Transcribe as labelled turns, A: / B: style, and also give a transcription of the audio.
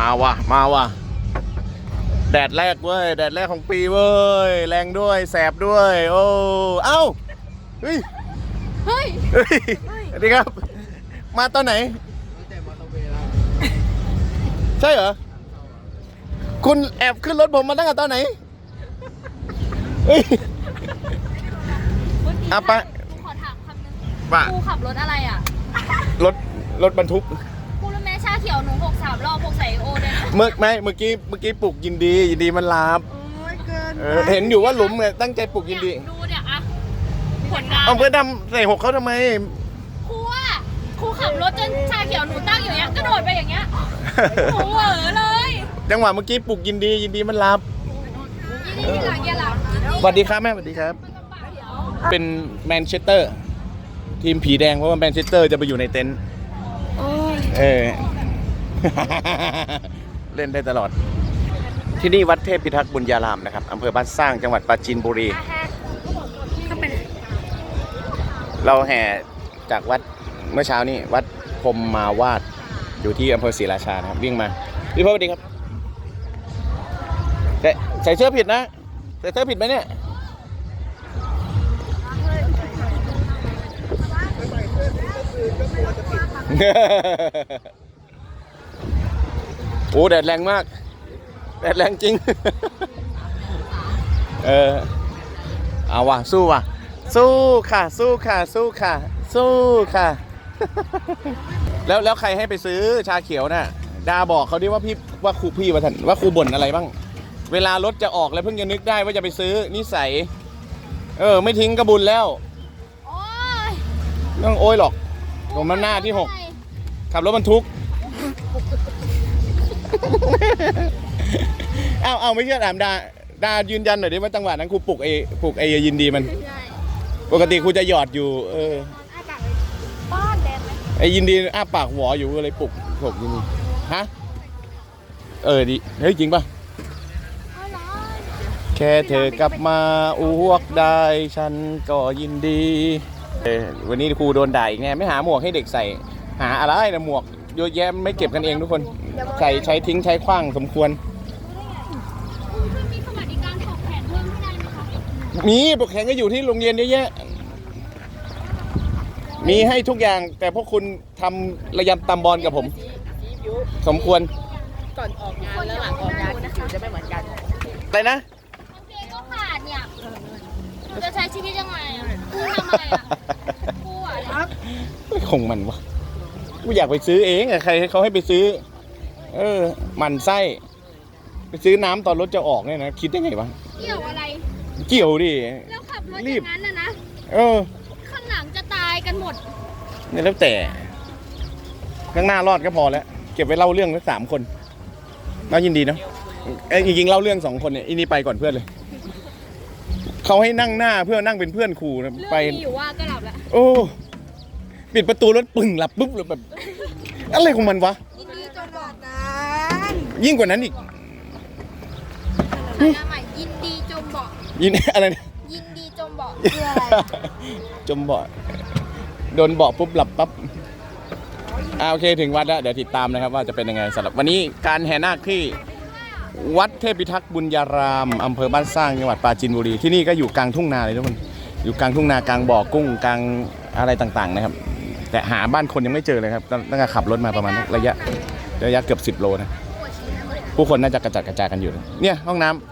A: มาว่ะมาว่ะแดดแรกเว้ยแดดแรกของปีเว้ยแรงด้วยแสบด้วยโอ้เอ้าเฮ้ยเฮ้ยสวัสดีครับมาตอนไหนใช่เหรอคุณแอบขึ้นรถผมมาตั้งแต่ตอนไหนเฮ้ยอ่ะไป
B: ขอถามคำนึง
A: ป่ะ
B: กูขับรถอะไรอ่ะ
A: รถบรรทุก
B: กูรู้ไหมชาเขียวหนู63 รอบ6ใส่โอเนี่ย
A: เมื่อกี้ปลุกยินดีมันลาบเห็นอยู่ว่าหลุมไงตั้งใจปลุกยินดี
B: ดูเนี่ยอะผลงาน
A: เอาเพื่อดำใส่หกเขาทำไม
B: ครูขับรถจนชาเขียวหนูตั้งอยู่อย่างเงี้ยกระโดดไปอย่างเงี้ยโหเหวอเลย
A: จังหวะเมื่อกี้ปลุกยินดีมันลาบ
B: ยี่หลัง
A: สวัสดีครับแม่สวัสดีครับเป็นแมนเชสเตอร์ทีมผีแดงเพราะว่าแมนเชสเตอร์จะไปอยู่ในเต็นท์เล่นได้ตลอดที่นี่วัดเทพพิทักษ์บุญญารามนะครับอำเภอบ้านสร้างจังหวัดปราจีนบุรีเราแห่จากวัดเมื่อเช้านี้วัดพรหมมาวาดอยู่ที่อำเภอศรีราชานะครับวิ่งมาพี่พ่อสวัสดีครับใส่เสื้อผิดนะใส่เสื้อผิดไหมเนี่ยโอ้แดดแรงมากแดดแรงจริงเอาว่ะสู้ว่ะสู้ค่ะสู้ค่ะสู้ค่ะสู้ค่ะแล้วใครให้ไปซื้อชาเขียวน่ะดาบอกเขาดิว่าว่าครูพี่ว่าครูบ่นอะไรบ้างเวลารถจะออกแล้วเพิ่งจะนึกได้ว่าจะไปซื้อนิสัยไม่ทิ้งกระบุญแล้วต้องโอ้ยหรอกผมมันหน้าที่6ขับรถบรรทุกเอาไม่เชื่อถามดายืนยันหน่อยดิว่าจังหวะนั้นครูปลุกไอ้ยินดีมันปกติครูจะหยอดอยู่
B: บ้านแดงไหม
A: ไอ้ยินดีอ้าปากหวออยู่เลยปลุกยินดีฮะดิเฮ้ยจริงป่ะแค่เธอกลับมาอ้วกได้ฉันก็ยินดีวันนี้ครูโดนด่าอีกแน่ไม่หาหมวกให้เด็กใส่หาอะไรนะหมวกเยอะแยะไม่เก็บกันเองทุกคนใช้ทิ้งใช้ขว้างสมควร
B: มีสวัสดิการปกแขนเพิ่มที่ไหนไหมคะ
A: มีปกแขนก็อยู่ที่โรงเรียนเยอะแยะมีให้ทุกอย่างแต่พวกคุณทำระยำตำบอลกับผมสมควร
C: ก่อนออกงานและหลังออกงานผิวจะไม่เหมือนกัน
A: อะไรนะ
B: โอเคก็ขาดเนี่ยจะใช้ชีวิตยังไงกูทำอะไรกู
A: คงมันวะกูอยากไปซื้อเองใครเขาให้ไปซื้อมันไส้ไปซื้อน้ำตอนรถจะออกเนี่ยนะคิดได้ไงวะ
B: เกี่ยวอะไร
A: เกี่ยวดิ
B: แล้วขับรถอย่างนั้นนะข้างหลังจะตายกันหมด
A: เนี่ยแล้วแต่ข้างหน้ารอดก็พอแล้วเก็บไว้เล่าเรื่องไว้3 คนน่ายินดีเนาะจริงๆเล่าเรื่อง2 คนเนี่ยอีนี่ไปก่อนเพื่อนเลยเขาให้นั่งหน้าเพื่อนั่งเป็นเพื่อนครูนะไป
B: อยู่ว่าก็หลับแล้ว
A: โอ้ปิดประตูรถปึ่งหลับปุ๊บเลยแบบอะไรของมันวะ
B: ยินดีจนบอกนั้น
A: ยิ่งกว่านั้นอีก
B: ยินดีจมเบาะ
A: อะไรนะ
B: ยินดีจมเบาะคืออะไร
A: จมเบาะโดนเบาะปุ๊บหลับปั๊บโอเคถึงวัดแล้วเดี๋ยวติดตามนะครับว่าจะเป็นยังไงสำหรับวันนี้การแห่นาคที่วัดเทพพิทักษ์บุญญารามอำเภอบ้านสร้างจังหวัดปราจีนบุรีที่นี่ก็อยู่กลางทุ่งนาเลยทุกคนอยู่กลางทุ่งนากลางบ่อกุ้งกลางอะไรต่างๆนะครับแต่หาบ้านคนยังไม่เจอเลยครับตั้งแต่ขับรถมาประมาณระยะเกือบ10 โลนะผู้คนน่าจะกระจัดกระจายกันอยู่เนี่ยห้องน้ำ